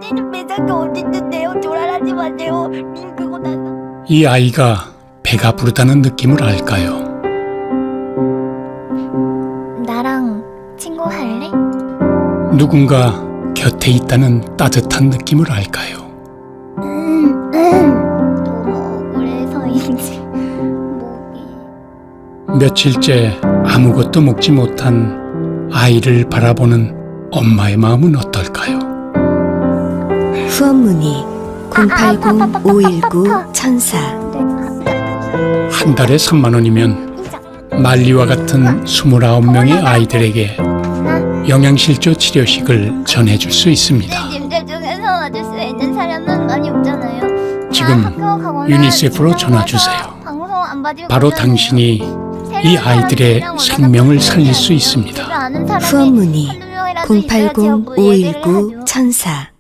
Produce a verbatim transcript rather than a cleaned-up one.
때는 매장이 어딨는데요? 조랄하지 마세요. 님 그거 나서. 이 아이가 배가 부르다는 느낌을 알까요? 나랑 친구 할래? 누군가 곁에 있다는 따뜻한 느낌을 알까요? 음, 음. 너무 억울해서인지 목이. 며칠째 아무것도 먹지 못한 아이를 바라보는 엄마의 마음은 어떨까요? 후원 문의 공팔공 오일구 천사. 한 달에 삼만 원이면 말리와 같은 스물아홉 명의 아이들에게 영양실조 치료식을 전해줄 수 있습니다. 님들 중에서 와줄 수 있는 사람은 많이 없잖아요. 지금 유니세프로 전화 주세요. 바로 당신이 이 아이들의 생명을 살릴 수 있습니다. 후원 문의 공팔공 오일구 천사.